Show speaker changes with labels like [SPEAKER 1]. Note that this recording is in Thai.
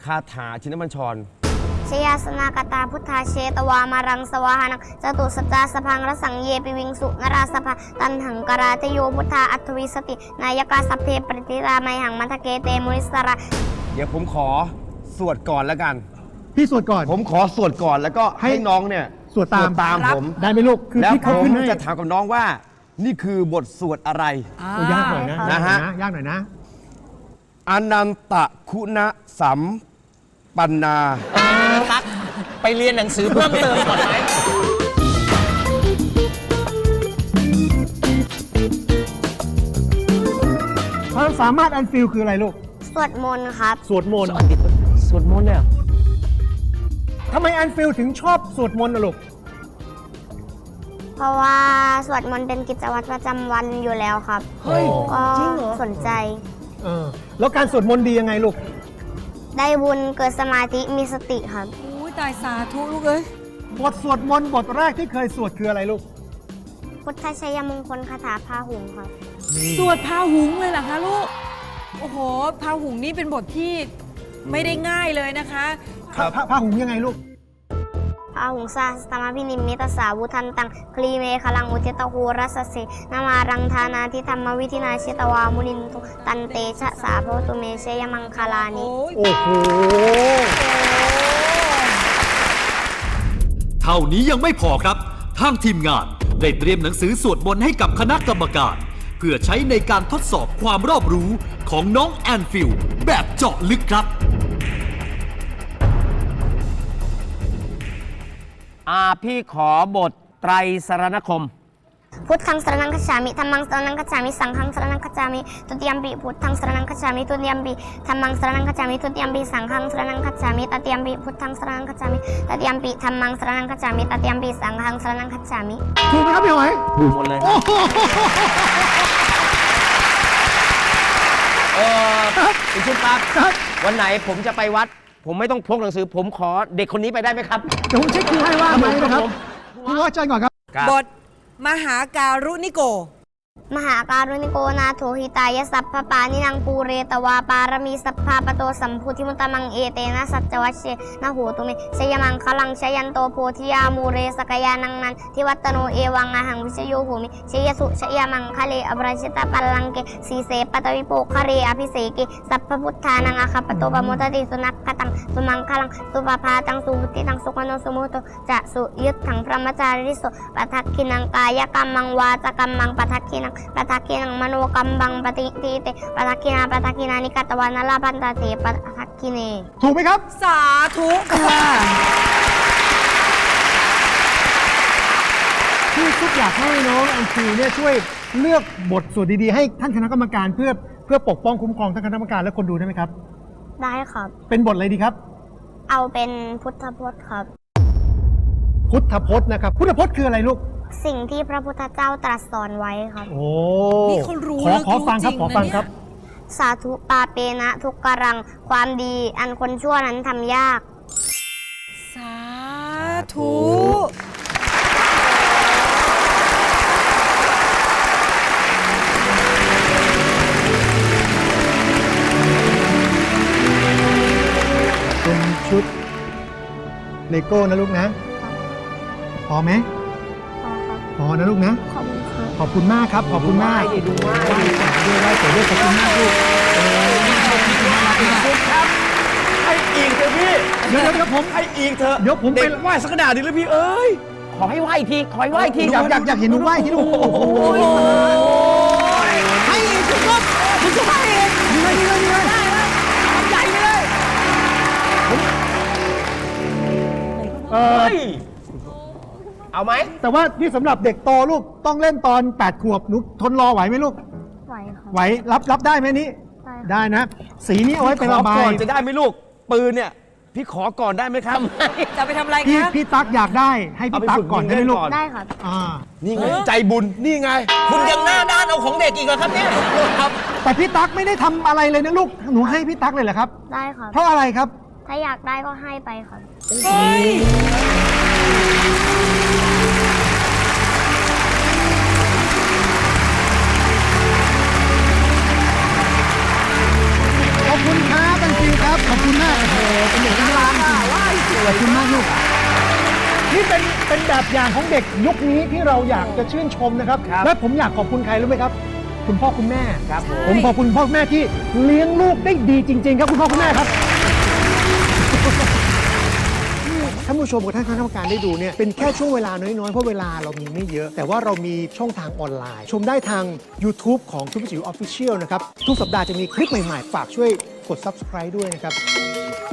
[SPEAKER 1] คาถาชินบัญชร
[SPEAKER 2] ชยาสนากตาพุทธาเชตวามารังสวาหานังจตุสัจจาสพังรสังเยปิวิงสุนราสภาตันหังกราเทโยพุทธาอัตวิสตินายกาสัพเพปฏิรามัยหังมัทเกเตมุนิสระ
[SPEAKER 1] เดี๋ยวผมขอสวดก่อนแล้วกัน
[SPEAKER 3] พี่สวดก่อน
[SPEAKER 1] ผมขอสวดก่อนแล้วก็ให้น้องเนี่ย
[SPEAKER 3] สวดตาม
[SPEAKER 1] ผม
[SPEAKER 3] ได้ไหมลูกคือ
[SPEAKER 1] แล้วผม
[SPEAKER 3] จะ
[SPEAKER 1] จะถามกับน้องว่านี่คือบทสวดอะไร
[SPEAKER 3] ยากหน่อยนะฮะยากหน่อยนะ
[SPEAKER 1] อนันตคุณสัมปันนา
[SPEAKER 4] ตักไปเรียนหนังสือเพิ่มเติมก่อนไหม
[SPEAKER 3] ความสามารถอันฟิลคืออะไรลูก
[SPEAKER 2] สวดมนต์ครับ
[SPEAKER 3] สวดมนต์
[SPEAKER 4] สวดมนต์เนี่ย
[SPEAKER 3] ทำไมอันฟิลถึงชอบสวดมนต์ลูก
[SPEAKER 2] เพราะว่าสวดมนต์เป็นกิจวัตรประจำวันอยู่แล้วครับ
[SPEAKER 3] เฮ้ย
[SPEAKER 2] จริงเหรอสนใจ
[SPEAKER 3] แล้วการสวดมนต์ดียังไงลูก
[SPEAKER 2] ได้บุญเกิดสมาธิมีสติครับ
[SPEAKER 5] ตายสาธุลูกเอ้ย
[SPEAKER 3] บทสวดมนต์บทแรกที่เคยสวดคืออะไรลูก
[SPEAKER 2] พุทธชัยมงคลคาถาพาหุงครับ
[SPEAKER 5] สวดพาหุงเลยเหรอคะลูกโอ้โหพาหุงนี่เป็นบทที่ไม่ได้ง่ายเลยนะคะ
[SPEAKER 3] พาหุงยังไงลูก
[SPEAKER 2] พาหุงซาสตมาพินิมิตสาวุทันตังคลีเมฆลังอุเทตโหรัสเสนามารังธานาทิธรรมวิธินาเชตวามุนินตุตันเตชะสาโพตุเมเชยมังคลานิ
[SPEAKER 3] โอ้โห
[SPEAKER 6] เท่านี้ยังไม่พอครับทางทีมงานได้เตรียมหนังสือสวดมนต์ให้กับคณะกรรมการเพื่อใช้ในการทดสอบความรอบรู้ของน้องแอนฟิลแบบเจาะลึกครับ
[SPEAKER 4] พี่ขอบทไตรสรณคม
[SPEAKER 2] พุทธังสรณังคัจฉามิธัมมังสรณังคัจฉามิสังฆังสรณังคัจฉามิตุติยมปิพุทธังสรณังคัจฉามิตุติยมปิธัมมังสรณังคัจฉามิตุติยมปิสังฆังสรณังคัจฉามิตติยมปิพุทธังสรณังคัจฉามิตติยมปิธัมมังสรณังคัจฉามิตติยมปิสังฆังสรณังคัจฉามิ
[SPEAKER 3] ถูกไหมครับพี่หอย
[SPEAKER 4] ถูกหมดเลยคุณชุดครับวันไหนผมจะไปวัดผมไม่ต้องพกหนังสือผมขอเด็กคนนี้ไปได้ไหมครับ
[SPEAKER 3] เดี๋ยวผมเช็คคิวให้ว่าไหมนะครับพี่ว่าใจก่อนครับ
[SPEAKER 5] บทมหาการุณิโก
[SPEAKER 2] มหาการุณิโกนาโถหิตายสัพพปานินังปูเรตวาปารมีสัพพาปโตสัมพุทธิมุตตมังเอเตนะสัจจวัชเชนะโหตุเมชยมังคลังชยันโตโพธิยามูเรสกยานังนันทิวัตโนเอวังอาหังวิชโยโหมิชยสุชยมังคะเลอภรชิตาปัลลังเกสีเสปตวิโปคะเรอภิเสเกสัพพพุทธานังอาคปโตปโมทติสุนักขตังสุมังคลังสุปภาตังสุบุติตังสุขโนสุโมโตจะสุยุตถังพระมจาริโสปทักขินังกายกรรมังวาจกรรมังปทักขินังปทักขินังมโนกรรมังปฏิทิเตปทักขินานิกัตวานาลาพันตาเตปทักขิเน
[SPEAKER 3] ถูกไหมครับ
[SPEAKER 5] สาธุค่ะ
[SPEAKER 3] พี่ชุดอยากให้น้องอันฟิลเนี่ยช่วยเลือกบทสวดดีๆให้ท่านคณะกรรมการเพื่อปกป้องคุ้มครองท่านคณะกรรมการและคนดูได้ไหมครับ
[SPEAKER 2] ได้ครับ
[SPEAKER 3] เป็นบทอะไรดีครับ
[SPEAKER 2] เอาเป็นพุทธพจน์ครับ
[SPEAKER 3] พุทธพจน์นะครับพุทธพจน์คืออะไรลูก
[SPEAKER 2] สิ่งที่พระพุทธเจ้าตรัสสอนไว้ครับ
[SPEAKER 3] โอ้
[SPEAKER 5] นี่เขารู้
[SPEAKER 3] ขอฟังครับขอฟังครับ
[SPEAKER 2] สาธุปาเปนะทุกกรังความดีอันคนชั่วนั้นทำยาก
[SPEAKER 5] สาธุ
[SPEAKER 3] เป็นชุดเลโก้นะลูกนะพอไหมพอนะลูกนะขอบคุณมากครับขอบคุณมาก
[SPEAKER 4] ดูว่า
[SPEAKER 3] ได้สวยด้วยขอบคุณมากลูก
[SPEAKER 1] ครับให้อีกเถอะพี่
[SPEAKER 3] เดี๋ยวผม
[SPEAKER 1] ให้อีกเถอะ
[SPEAKER 3] เดี๋ยวผมไป
[SPEAKER 1] ไหว้สักขนาดนี้เลยพี่เอ้ย
[SPEAKER 4] ขอให้ไหว้ทีขอให้ไหว้ที
[SPEAKER 3] อยากเห็นหนูไหว้ที่ลูกโอ้โห
[SPEAKER 5] ให้อีกทุกคนคุณจะให้อีก
[SPEAKER 3] นี่เลย
[SPEAKER 5] ทำใหญ่ไปเลย
[SPEAKER 4] เอาไหม
[SPEAKER 3] แต่ว่าที่สำหรับเด็กโตลูกต้องเล่นตอน8 ขวบหนูทนรอไหวไหมลูก
[SPEAKER 2] ไหวครับ
[SPEAKER 3] ไหวรับได้ไหมนี้ได้นะสีนี้เอาไว้เป็นระบาย
[SPEAKER 1] ก่อนจะได้ไหมลูกปืนเนี่ยพี่ขอก่อนได้ไหมครับ
[SPEAKER 5] จะไปทำอะไรคะ
[SPEAKER 3] พี่ตั๊กอยากได้ให้พี่ตั๊กก่อนได้ไหมลูก
[SPEAKER 2] ได้ครับ
[SPEAKER 1] นี่ไงใจบุญนี่ไง
[SPEAKER 4] คุณยังหน้าด้านเอาของเด็กอีกเหรอครับเนี่ยครับ
[SPEAKER 3] แต่พี่ตั๊กไม่ได้ทำอะไรเลยนะลูกหนูให้พี่ตั๊กเลยเหรอครับ
[SPEAKER 2] ได้ครับ
[SPEAKER 3] เพราะอะไรครับ
[SPEAKER 2] ถ้าอยากได้ก็ให้ไปครับ
[SPEAKER 3] ขอบคุณครับอันฟิลครับขอบคุณมากโอ้โหขอบคุณมากลูกนี่เป็นแบบอย่างของเด็กยุคนี้ที่เราอยากจะชื่นชมนะครับ
[SPEAKER 4] ครับ
[SPEAKER 3] และผมอยากขอบคุณใครรู้ไหมครับ คุณพ่อคุณแม่
[SPEAKER 4] ครับผม
[SPEAKER 3] ผมขอบคุณพ่อคุณแม่ที่เลี้ยงลูกได้ดีจริง ๆ ครับคุณพ่อคุณแม่ครับท่านผู้ชมกับท่านคณะกรรมการได้ดูเนี่ยเป็นแค่ช่วงเวลาน้อยๆเพราะเวลาเรามีไม่เยอะ แต่ว่าเรามีช่องทางออนไลน์ ชมได้ทาง YouTube ของทุกจิ๋ว Official นะครับทุกสัปดาห์จะมีคลิปใหม่ๆฝากช่วยกด Subscribe ด้วยนะครับ